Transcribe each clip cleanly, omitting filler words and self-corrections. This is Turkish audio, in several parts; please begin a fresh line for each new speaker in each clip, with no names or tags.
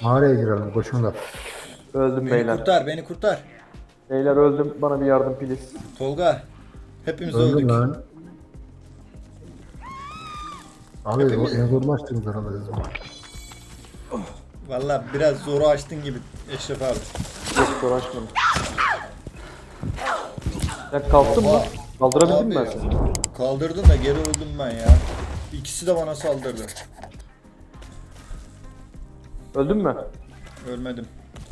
Mağaraya girelim koşun da.
Öldüm
Beni
beyler.
kurtar, beni kurtar.
Beyler öldüm. Bana bir yardım please.
Tolga. Hepimiz
Öldüm
öldük.
lan. Abi
Hepimiz-
en zorunu açtınız herhalde siz.
Valla biraz zoru açtın gibi Eşref abi.
Yok uğraşmadım. Sen kalktın mı?
Oha.
Kaldırabildim mi
Abi,
ben seni?
kaldırdın da geri öldüm ben ya. İkisi de bana saldırdı.
Öldün mü?
Ölmedim.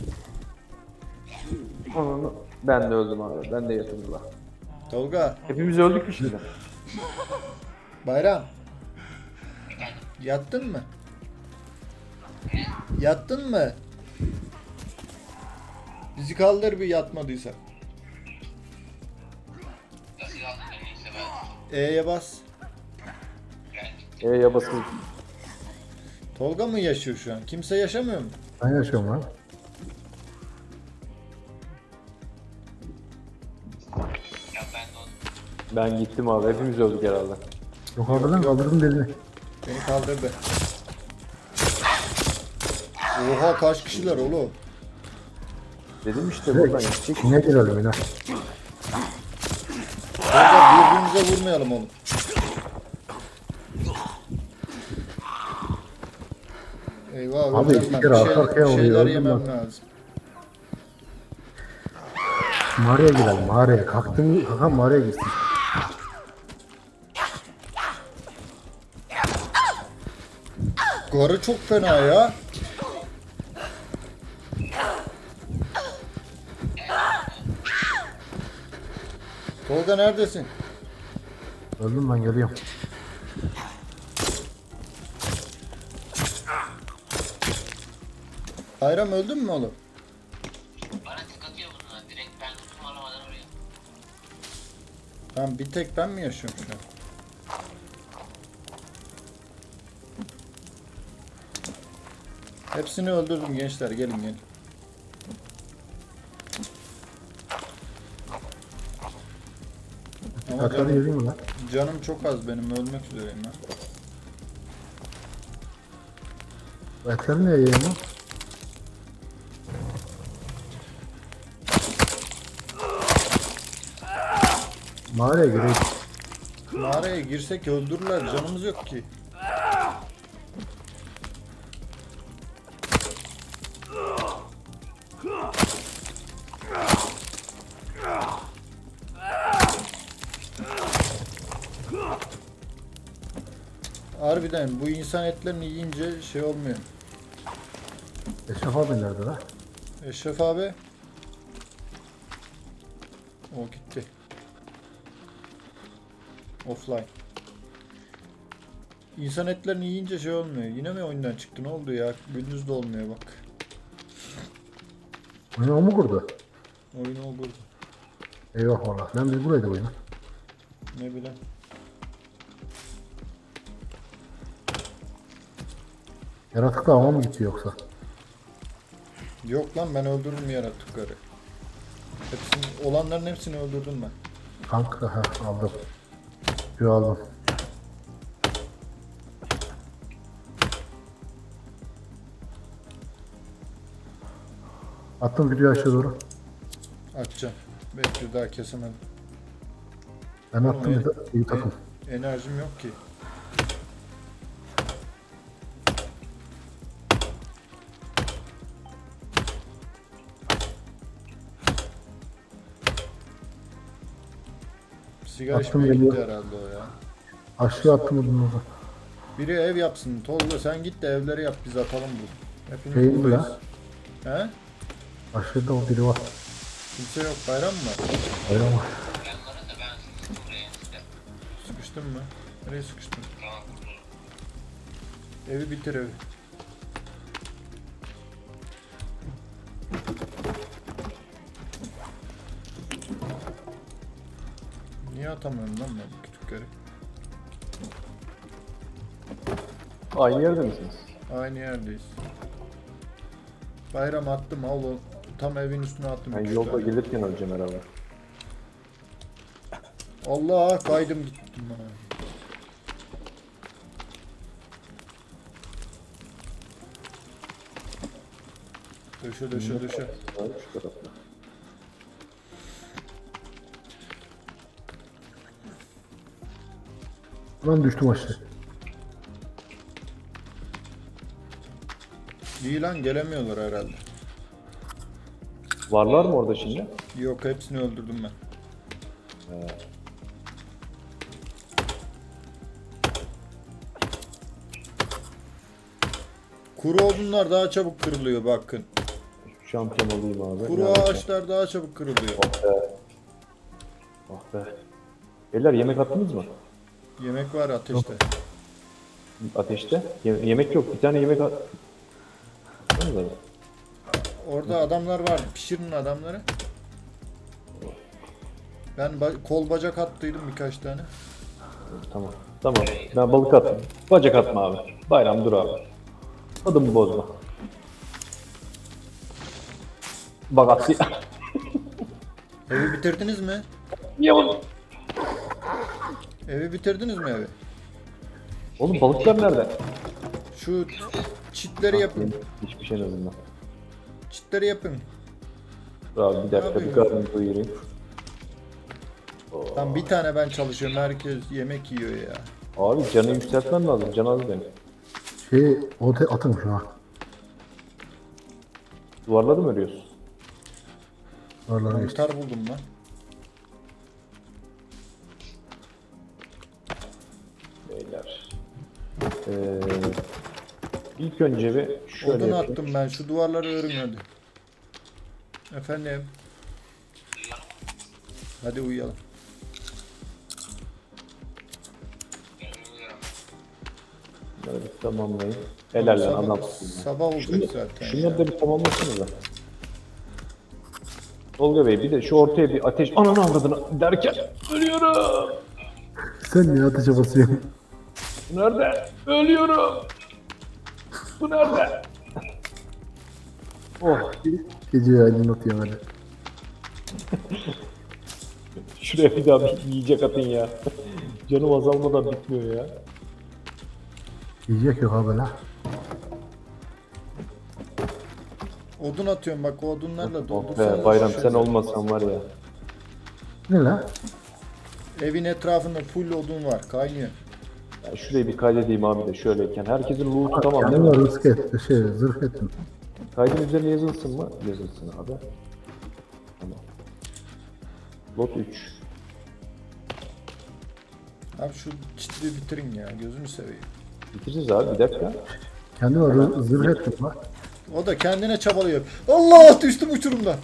Ananı. Ben de öldüm abi. Ben de yatırdılar.
Tolga,
Hepimiz öldük mü şimdi?
Bayram. Yattın mı? Yattın mı? Bizi kaldır bir yatmadıysa. E'ye bas.
Ya basın.
Tolga mı yaşıyor şu an? Kimse yaşamıyor mu?
Ben yaşıyorum lan.
Ben gittim abi. Hepimiz öldük herhalde.
Yok abi lan kaldırdım belini.
Beni kaldırdı. Oha kaç kişiler oğlum?
Dedim işte buradan gidecek.
İçine girelim yine.
Tolga birbirimize vurmayalım oğlum. Eyvah
Abi
öleceğim
iki
ben.
kere arka arkaya
Bir
oluyor,
şeyler
öldüm
yemem
ben.
lazım.
Mağaraya girelim mağaraya. Kalktın kalkan mağaraya girsin.
Garı çok fena ya. Tolga neredesin?
Öldüm ben geliyorum.
Bayram öldün mü oğlum?
Bana tık atıyor bunlar. Direkt ben tutum alamadan oraya.
Lan bir tek ben mi yaşıyorum şu an? Hepsini öldürdüm gençler, gelin gelin. Ama
Kalkanı
canım,
yedin mi lan?
canım çok az benim, ölmek üzereyim ben.
Etleri niye yiyeyim lan? Mağaraya gireyim.
Mağaraya girsek öldürürler, canımız yok ki. Harbiden bu insan etlerini yiyince şey olmuyor.
Eşref abi nerede lan?
Eşref abi. O gitti. Offline. İnsan etlerini yiyince şey olmuyor. Yine mi oyundan çıktı? Ne oldu ya? Gündüz de olmuyor bak.
Oyunu o mu kurdu?
Oyunu o burada.
Eyvah valla. Ben biz buraydı oyunu.
Ne bileyim.
Yaratık da ama mı gitti yoksa?
Yok lan ben öldürdüm yaratıkları. Hepsini, olanların hepsini öldürdüm ben.
Kanka ha aldım. Şu aldım. Attım video aşağı doğru.
Açacağım. Bekle daha kesemedim.
Ben attım bir de iyi takım.
Enerjim yok ki. Sigara
Attım
içmeye gitti
geliyor.
herhalde o ya.
Aşağı attım odunu da.
Biri ev yapsın. Tolga sen git de evleri yap biz atalım bu. Hepimiz
Şey mi
buradayız.
lan?
He?
Aşağıda o biri var.
Kimse yok. Bayram mı var?
Öyle ama.
Yanlara da ben sıkıştım buraya işte.
Sıkıştın mı? Nereye sıkıştın?
Tamam.
Evi bitir evi. Niye atamıyorum lan ben bu kütükleri?
Aynı yerde misiniz?
Aynı yerdeyiz. Bayram attım al o. Tam evin üstüne attım.
Ben
üç
yolda
tane.
gelirken öleceğim herhalde.
Allah kaydım gittim bana. Döşe döşe döşe.
Abi şu tarafta.
Lan düştüm aşağı.
İyi lan gelemiyorlar herhalde.
Varlar mı orada şimdi?
Yok hepsini öldürdüm ben. Kuru odunlar daha çabuk kırılıyor bakın.
Şampiyon olayım abi.
Kuru
Nerede?
ağaçlar daha çabuk kırılıyor.
Ah be. Beyler yemek attınız mı?
Yemek var ateşte.
Ateşte. Yemek yok. Bir tane yemek at. Ne var?
Orada adamlar var. Pişirin adamları. Ben kol bacak attıydım birkaç tane.
Tamam. Tamam. Ben balık attım. Bacak atma abi. Bayram dur abi. Adımı bozma. Bak attı.
Evi bitirdiniz mi?
Niye oğlum?
Evi bitirdiniz mi evi?
Oğlum balıklar nerede?
Şu çitleri yapın.
Hiçbir şey en azından.
Çitleri yapın.
Dur abi bir dakika bir karnımı doyurayım.
Tam bir tane ben çalışıyorum. Herkes yemek yiyor ya.
Abi canı yükseltmem lazım. Can az benim.
Atın şu an.
Duvarladı mı ölüyorsun?
Oralara geçti.
Mantar buldum lan.
Beyler. İlk önce bir şöyle
Odun
yapayım.
attım ben. Şu duvarları örün hadi. Efendim. Hadi uyuyalım.
Bunları bir tamamlayın. Helal lan
Sabah,
anlatsın.
sabah olacak zaten.
Şunları
ya.
da bir tamamlasınız da. Tolga Bey bir de şu ortaya bir ateş ananı avradını derken ölüyorum.
Sen niye ateşe basıyorsun?
Bu nerede? Ölüyorum. Bu nerede? Oh.
Gece aydınlatıyorum hadi.
Şuraya bir daha bir yiyecek atın ya. Canım azalmadan bitmiyor ya.
Yiyecek yok abi la.
Odun atıyorum bak o odunlarla
Oh
doldursanız.
be, Bayram
şu
sen olmasan var ya.
Ne la?
Evin etrafında full odun var kaynıyor.
Ya şurayı bir kaydedeyim abi de şöyleyken. Herkesin loot'u tamam değil
Kendime
mi?
rızk et, zırh ettim.
Kaydın üzerine yazılsın mı? Yazılsın abi. Tamam. Lot 3.
Abi şu çitleri bitirin ya gözünü seveyim.
Bitireceğiz abi bir dakika.
Kendime zırh ettim la.
O da kendine çabalıyor. Allah düştüm uçurumdan.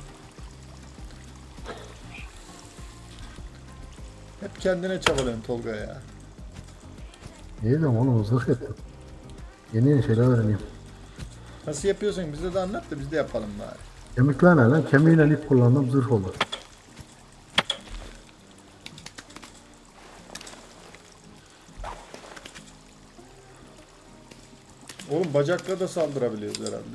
Hep kendine çabalıyorsun Tolga ya.
İyi de oğlum zırh ettim. Yeni şeyler öğreneyim.
Nasıl yapıyorsun bize de anlat da biz de yapalım bari.
Kemikler ne lan? Kemiğiyle ip kullandım zırh oldu.
Oğlum bacakla da saldırabiliyoruz herhalde.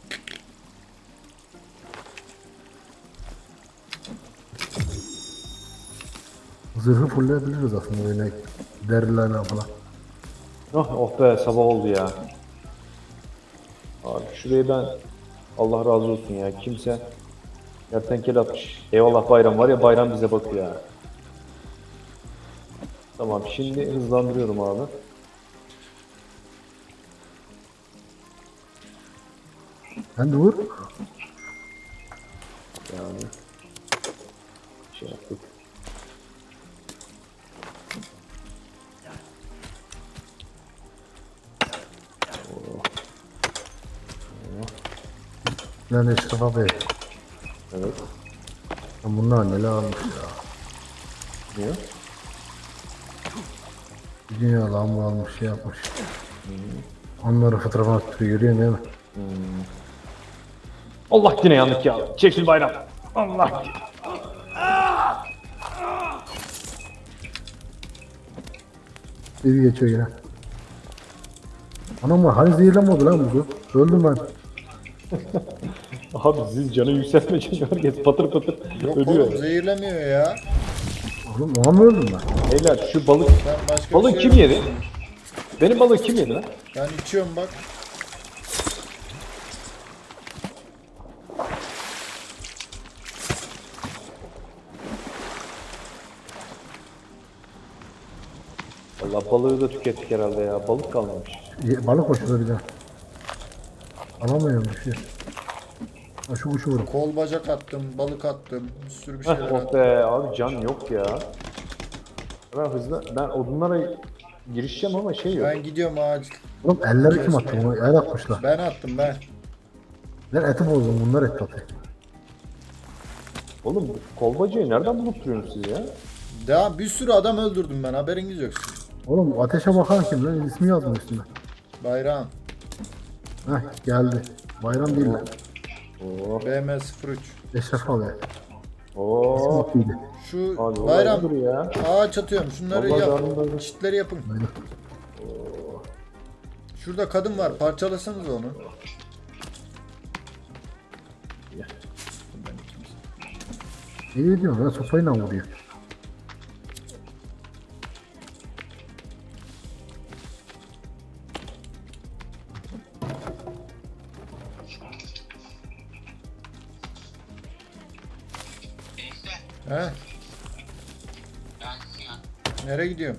Zırhı fullleyebiliriz aslında öyle derilerle falan.
Oh be sabah oldu ya. Abi şurayı ben Allah razı olsun ya kimse kertenkele atmış. Eyvallah Bayram var ya Bayram bize bakıyor ya. Tamam şimdi hızlandırıyorum abi.
Sen de vur.
Yani şey yaptık.
Lan Eşref Bey.
Evet.
Lan bunlar neler almış ya.
Niye?
Bir dünya lamba almış şey yapmış. Onları fotoğrafına tutuyor görüyorsun değil mi?
Allah yine yandık ya. Çekil Bayram. Allah.
Bir geçiyor yine. Anam var hani zehirlenmedi lan bu. Öldüm ben.
Abi siz canı yükseltme çünkü herkes patır patır
Yok
ölüyor.
oğlum zehirlemiyor ya.
Oğlum ona mı öldüm ben?
Beyler şu balık
Ben başka
balığı
bir şey
kim
yok.
yedi? Benim balığı kim yedi lan?
Ben içiyorum bak.
Allah balığı da tükettik herhalde ya. Balık kalmamış.
Balık hoşuna bir de. Alamıyorum bir şey. Ha şu kuşu vurun.
Kol bacak attım, balık attım, bir sürü bir şeyler
Oh
attım.
be abi can yok ya. Ben odunlara girişeceğim ama şey yok.
Ben gidiyorum ağaç.
Oğlum elleri kim attı bunu? El atmışlar.
Ben attım ben.
Ben eti bozdum bunlar et atıyor.
Oğlum kolbacayı nereden bulup duruyorsunuz siz ya?
Daha bir sürü adam öldürdüm ben, haberiniz yok sizin.
Oğlum ateşe bakan kim lan? İsmi yazmıyor üstünde.
Bayrağım.
Heh geldi. Bayram değil lan.
Oo.
BM03.
Eşref abi.
Oo.
Atıydı.
Şu
Abi
bayram
dur ya.
ağaç atıyorum. Şunları
Vallahi
yap.
darın.
Çitleri yapın.
Böyle.
Şurada kadın var. Parçalasanız onu.
İyi diyorum ben sopayla vuruyor.
Gençler
He?
ben Sinan.
Nereye gidiyorum?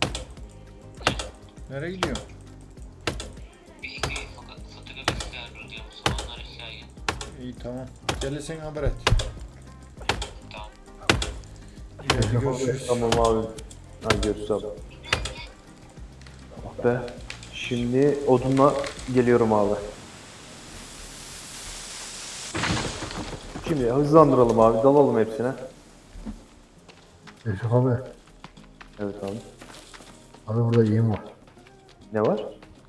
Nereye gidiyorum?
Bir iki fotoğraf isterdim diyorum. Soğanlar aşağıya.
İyi tamam. Gelirsen haber et.
Tamam.
İyi, hadi görüşürüz.
Tamam abi. Hadi görüşürüz abi. Ah be. Şimdi odunla geliyorum abi. Şimdi hızlandıralım abi. Dalalım hepsine.
Eşref abi.
Evet abi.
Abi burada iyiyim var.
Ne var?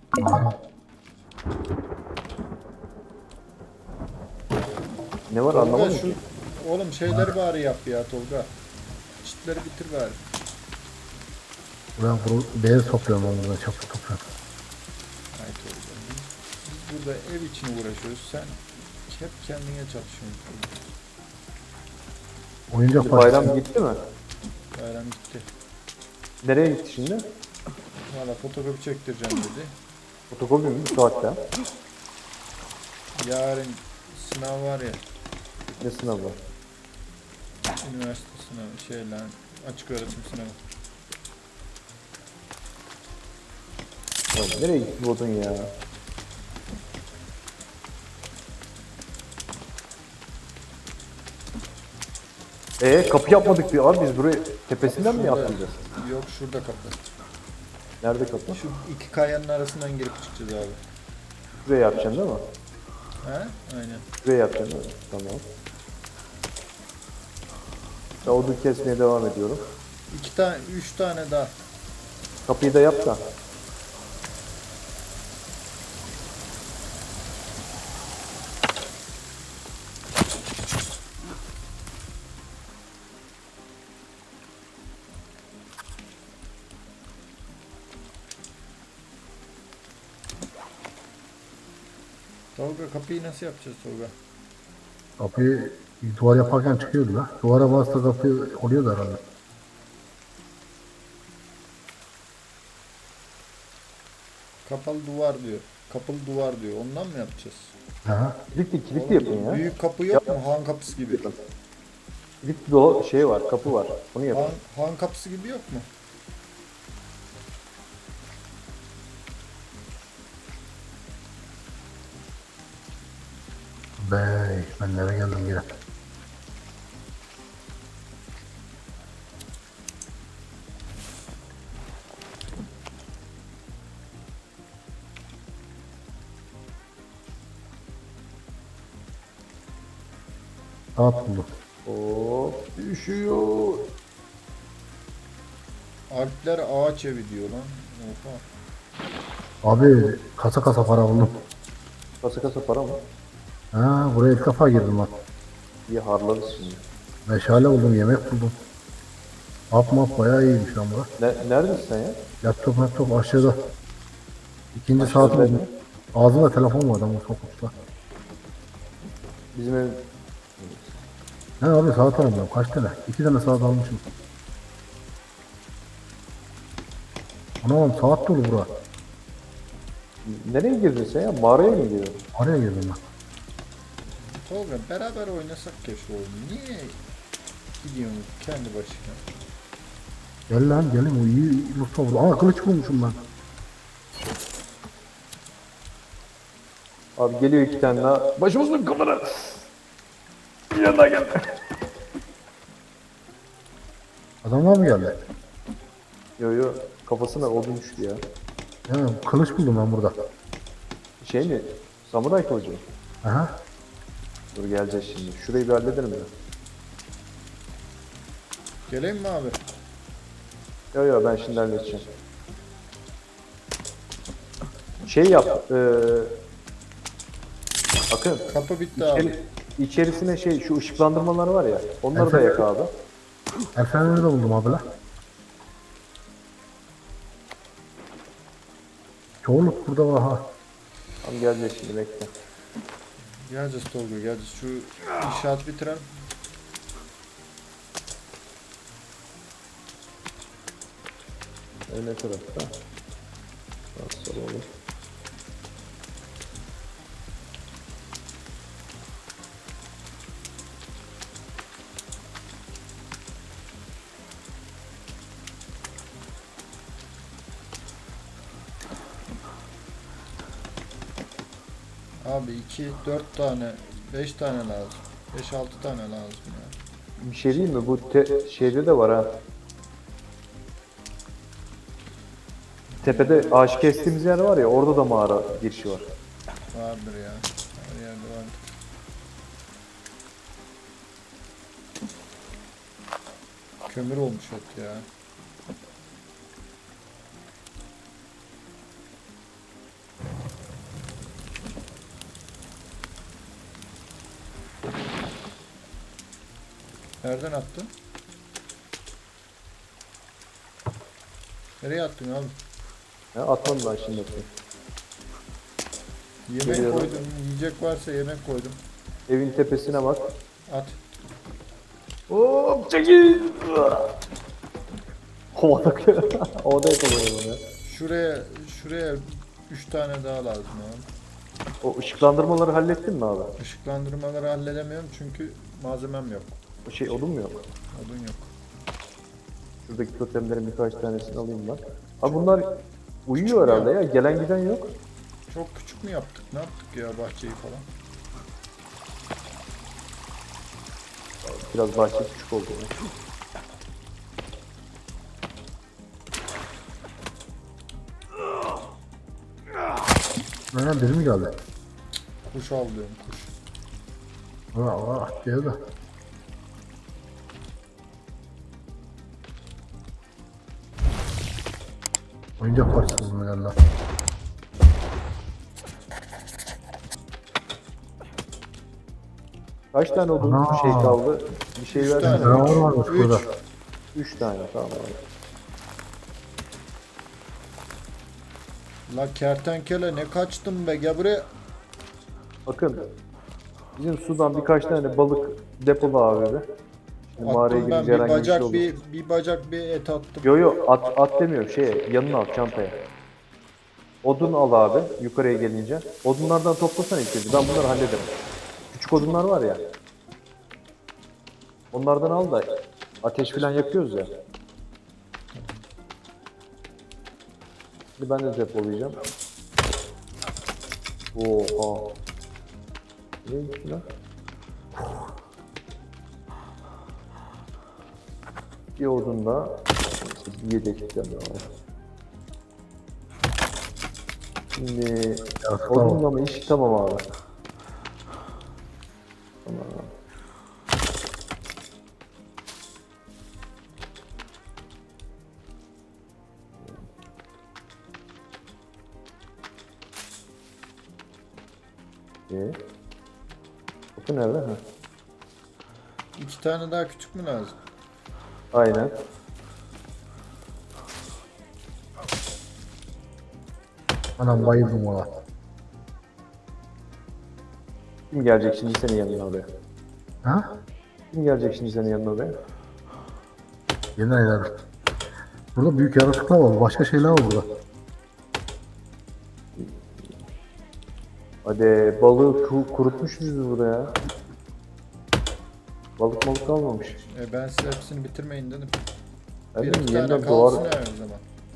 Ne var
Tolga
anlamadım
şu...
ki.
Oğlum şeyleri bari yap ya Tolga. Çitleri bitir bari.
Ben beyaz topluyorum ben burada çapı topluyorum.
Ay Tolga. Biz burada ev için uğraşıyoruz. Sen hep kendine çalışıyorsun Tolga.
Oyuncak
Şimdi bayram
partisi.
gitti mi?
Bayram gitti.
Nereye gitti şimdi?
Valla fotokopi çektireceğim dedi.
Fotokopi mi bu saatte?
Yarın sınav var ya.
Ne sınavı var?
Üniversite sınavı. Şey lan. Açık öğretim sınavı.
Ya nereye gitti bu odun ya? Kapı yapmadık bir abi biz burayı tepesinden mi
Şurada-
yapacağız?
Yok şurada kapı.
Nerede kapı?
Şu iki kayanın arasından girip çıkacağız abi.
Buraya yapacaksın değil mi?
He? Aynen.
Buraya yapacaksın değil mi? Tamam. Ben odun kesmeye devam ediyorum.
Üç tane daha.
Kapıyı da yap da.
Tolga kapıyı nasıl yapacağız Tolga?
Kapıyı duvar yaparken çıkıyordu la. Duvara bastı kapı oluyordu herhalde.
Kapalı duvar diyor. Kapalı duvar diyor. Ondan mı yapacağız?
Aha.
Kilitli yapın ya.
Büyük kapı yok mu? Han kapısı gibi.
Kilitli o şey var, kapı var. Onu yapın.
Han kapısı gibi yok mu?
Bey ben nereye geldim yine. Saat buldum.
Oo, üşüyor.
Alpler ağaç evi diyor lan. Oha.
Abi kasa kasa para buldum.
Kasa kasa para mı?
Ha buraya ilk defa girdim bak.
İyi harlarız şimdi.
Meşale buldum, yemek buldum. Map bayağı iyiymiş lan bura.
Neredesin sen ya?
Laptop aşağıda. İkinci saat buldum. Ağzımda telefon var adamın sokakta.
Bizim ev...
Ne abi saat almıyorum kaç tane? 2 tane saat almışım. Anam saat dolu bura.
Nereye girdin sen ya? Mağaraya mı girdin?
Araya girdim ben.
Tolga beraber oynasak keşke oğlum. Niye gidiyorsun kendi başına?
Gel lan gelin o iyi Mustafa burada. Aa kılıç bulmuşum ben.
Abi geliyor 2 tane daha. Başımızın kamera. Yanına gel.
Adamlar mı geldi?
Yo yo kafasına odun düştü ya.
Ya kılıç buldum ben burada.
Şey mi? Samuray kılıcı mı?
Aha.
Dur geleceğiz şimdi. Şurayı bir halledelim ya.
Geleyim mi abi?
Yo yo ben şimdi halledeceğim. Şey yap. Bakın.
Kapı bitti abi.
İçerisine şey şu ışıklandırmalar var ya. Onları da yak abi.
El fenerini de buldum abi la. Çoğunluk burada var ha.
Tamam geleceğiz şimdi bekle.
Geleceğiz Tolga geleceğiz. Şu inşaat bitirelim.
Ne tarafta? Nasıl olur?
Abi 2, 4 tane, 5 tane lazım. 5-6 tane lazım ya.
Bir şey diyeyim mi? Bu şeyde de var ha. Tepede ağaç kestiğimiz yer var ya, orada da mağara girişi var.
Vardır ya. Her yerde vardır. Kömür olmuş hep ya. Nereden attın? Nereye attın abi?
Ha, atmadım ben şimdi.
Yemek
Geliyorum.
koydum. Yiyecek varsa yemek koydum.
Evin tepesine bak.
At.
Hop çekil. Havada havada yakalıyorum ya.
Şuraya 3 tane daha lazım abi.
O ışıklandırmaları hallettin mi abi?
Işıklandırmaları halledemiyorum çünkü malzemem yok.
O şey odun mu yok?
Odun yok.
Şuradaki totemlerin birkaç tanesini alayım ben. Abi bunlar uyuyor herhalde ya. Gelen giden yok.
Çok küçük mü yaptık? Ne yaptık ya bahçeyi falan?
Biraz bahçe küçük oldu ya.
Aynen biri mi geldi?
Kuş avlıyorum kuş.
Vah diyor da. Oyuncak parçası mı geldi?
Kaç tane odun
Ana.
şey kaldı? Bir şey
Üç
versene.
tane.
Canavar varmış
Üç.
burada.
3 tane tamam abi.
La kertenkele ne kaçtın be gel buraya.
Bakın. Bizim sudan birkaç tane balık depolu abi be. Şimdi mağaraya
Attım ben
girince
bir
herhangi bir şey
bacak
olur.
bir bacak bir et attım.
Yo yo at demiyorum şeye yanına al çantaya. Odun al abi yukarıya gelince. Odunlardan toplasana ilk önce ben bunları hallederim. Küçük odunlar var ya. Onlardan al da ateş falan yakıyoruz ya. Şimdi ben de depolayacağım. Oha. Ne gitti lan? Bir odun da bir yedekten de var. Şimdi odunla mı iş tamam abi. Tamam. Kapı nerede? Ha.
2 tane daha küçük mü lazım?
Aynen.
Anam bayıldım valla.
Kim gelecek şimdi senin yanına oraya?
Ha?
Kim gelecek şimdi senin yanına oraya?
Yeni aylar. Burada büyük yaratıklar var. Başka şeyler var burada.
Hadi balığı kurutmuşuz biz burada ya. Balık kalmamış.
Ben size hepsini bitirmeyin dedim.
Ben
Bir
dedim
iki tane
yeniden
kalsın
doğar,
her zaman.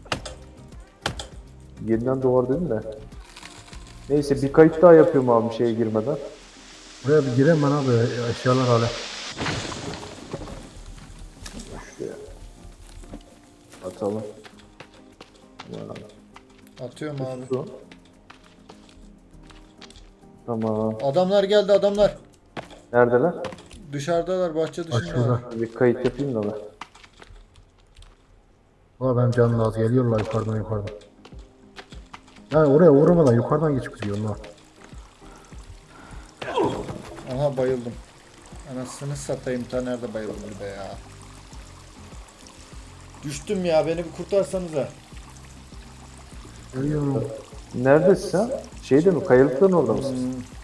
yeniden doğar dedim de. Neyse bir kayıt daha yapıyorum abi şeye girmeden.
Buraya bir gireyim ben abi eşyalar hala.
Şuraya. Atalım.
Atıyorum abi.
Su. Tamam.
Adamlar geldi adamlar.
Neredeler?
Dışarıdalar bahçe
Bak
dışında.
şurada.
Bir kayıt yapayım da ben.
Valla benim canım az geliyorlar yukarıdan. Yani oraya uğramadan yukarıdan geçip gidiyor onlar.
Aha bayıldım. Anasını satayım ta nerede bayıldım bir de ya. Düştüm ya beni bir kurtarsanıza.
Geliyor.
Neredesin sen? Şeyde mi? Kayalıkların orada mısın?